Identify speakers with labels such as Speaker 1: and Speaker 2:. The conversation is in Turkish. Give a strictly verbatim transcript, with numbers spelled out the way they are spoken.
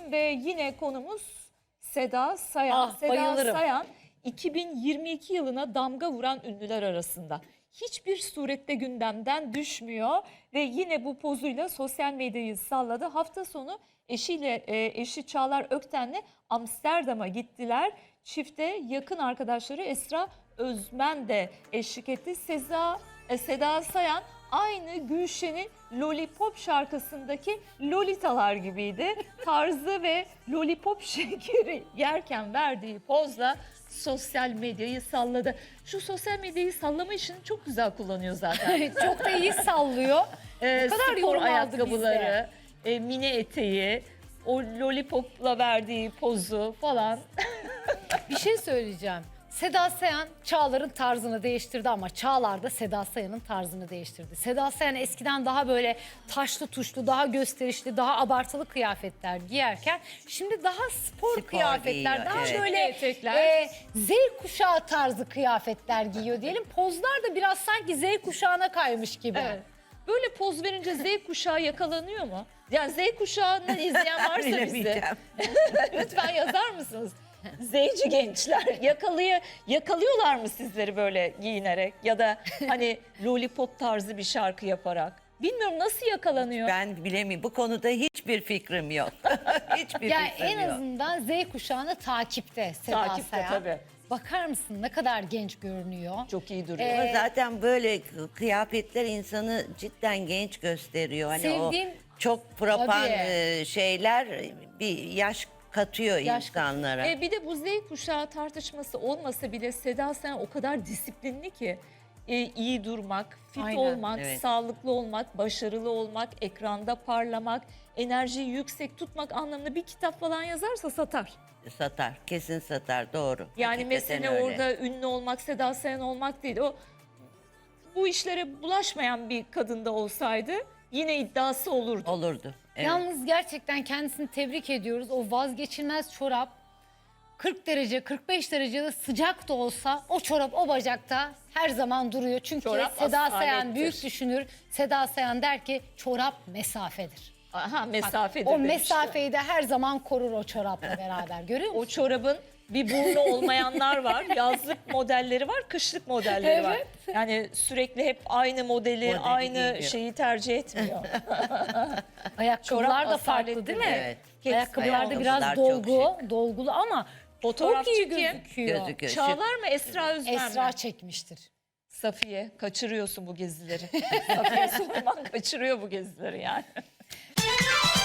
Speaker 1: diyelim ve yine konumuz Seda Sayan.
Speaker 2: Ah,
Speaker 1: Seda
Speaker 2: bayılırım.
Speaker 1: Sayan iki bin yirmi iki yılına damga vuran ünlüler arasında. Hiçbir surette gündemden düşmüyor ve yine bu pozuyla sosyal medyayı salladı. Hafta sonu eşiyle e, eşi Çağlar Ökten'le Amsterdam'a gittiler. Çifte yakın arkadaşları Esra Özmen de eşlik etti. Seda, e, Seda Sayan aynı Gülşen'in Lollipop şarkısındaki Lolitalar gibiydi. Tarzı ve Lollipop şekeri yerken verdiği pozla sosyal medyayı salladı. Şu sosyal medyayı sallama işini çok güzel kullanıyor zaten.
Speaker 2: Çok da iyi sallıyor.
Speaker 1: Ee,
Speaker 2: O kadar
Speaker 1: spor
Speaker 2: yorum aldı
Speaker 1: ayakkabıları, e, mini eteği, o lollipopla verdiği pozu falan.
Speaker 2: Bir şey söyleyeceğim. Seda Sayan Çağlar'ın tarzını değiştirdi ama Çağlar da Seda Sayan'ın tarzını değiştirdi. Seda Sayan eskiden daha böyle taşlı tuşlu, daha gösterişli, daha abartılı kıyafetler giyerken şimdi daha spor,
Speaker 3: Spor
Speaker 2: kıyafetler,
Speaker 3: giyiyor,
Speaker 2: daha
Speaker 3: evet.
Speaker 2: böyle
Speaker 1: Etekler.
Speaker 2: e, Z kuşağı tarzı kıyafetler giyiyor diyelim. Pozlar da biraz sanki Z kuşağına kaymış gibi.
Speaker 1: Evet. Böyle poz verince Z kuşağı yakalanıyor mu? Yani Z kuşağını izleyen varsa bizi
Speaker 3: Bilemeyeceğim.
Speaker 1: lütfen yazar mısınız? Z'ci gençler yakalıyor, yakalıyorlar mı sizleri böyle giyinerek ya da hani lollipop tarzı bir şarkı yaparak? Bilmiyorum nasıl yakalanıyor?
Speaker 3: Ben bilemiyorum. Bu konuda hiçbir fikrim yok. Hiçbir
Speaker 2: Yani
Speaker 3: fikrim
Speaker 2: en
Speaker 3: yok.
Speaker 2: azından Z kuşağını takipte Seda
Speaker 1: Takipte
Speaker 2: Sayan.
Speaker 1: tabii.
Speaker 2: Bakar mısın ne kadar genç görünüyor.
Speaker 1: Çok iyi duruyor.
Speaker 2: Ee,
Speaker 3: Ama zaten böyle kıyafetler insanı cidden genç gösteriyor. Hani
Speaker 2: Sevdiğim-
Speaker 3: o çok frapan
Speaker 2: Tabii.
Speaker 3: e, şeyler bir yaş katıyor
Speaker 2: Yaş
Speaker 3: insanlara.
Speaker 1: E, bir de bu Z kuşağı tartışması olmasa bile Seda Sayan o kadar disiplinli ki. E, iyi durmak, fit
Speaker 2: Aynen,
Speaker 1: olmak,
Speaker 3: evet.
Speaker 1: sağlıklı olmak, başarılı olmak, ekranda parlamak, enerjiyi yüksek tutmak anlamında bir kitap falan yazarsa satar.
Speaker 3: Satar. Kesin satar. Doğru.
Speaker 1: Yani
Speaker 3: Hakikaten
Speaker 1: mesele
Speaker 3: öyle.
Speaker 1: orada ünlü olmak, Seda Sayan olmak değil. O bu işlere bulaşmayan bir kadında olsaydı yine iddiası olurdu.
Speaker 3: Olurdu. Evet.
Speaker 2: Yalnız gerçekten kendisini tebrik ediyoruz. O vazgeçilmez çorap kırk derece, kırk beş derecede sıcak da olsa o çorap o bacakta her zaman duruyor. Çünkü
Speaker 1: Çorap
Speaker 2: Seda Sayan
Speaker 1: asalettir.
Speaker 2: büyük düşünür. Seda Sayan der ki çorap mesafedir.
Speaker 1: Aha mesafedir
Speaker 2: O
Speaker 1: demişti.
Speaker 2: mesafeyi de her zaman korur o çorapla beraber. Görüyor musun?
Speaker 1: O çorabın bir burnu olmayanlar var. Yazlık modelleri var, kışlık modelleri var.
Speaker 2: Evet.
Speaker 1: Yani sürekli hep aynı modeli,
Speaker 3: Modeli
Speaker 1: aynı
Speaker 3: giymiyor.
Speaker 1: şeyi tercih etmiyor.
Speaker 2: Ayakkabılar
Speaker 1: Çorap
Speaker 2: da farklı
Speaker 1: asaletli,
Speaker 2: değil mi?
Speaker 3: evet.
Speaker 2: Ayakkabılar da biraz
Speaker 3: Ayakkabılar çok
Speaker 2: dolgu, dolgulu ama
Speaker 1: Fotoğrafçı
Speaker 2: çok iyi
Speaker 1: kim?
Speaker 2: gözüküyor.
Speaker 3: Gözüküyor.
Speaker 1: Çağlar mı Esra Özmen
Speaker 2: Esra
Speaker 1: mi?
Speaker 2: çekmiştir.
Speaker 1: Safiye kaçırıyorsun bu gezileri. Safiye Sulman kaçırıyor bu gezileri yani.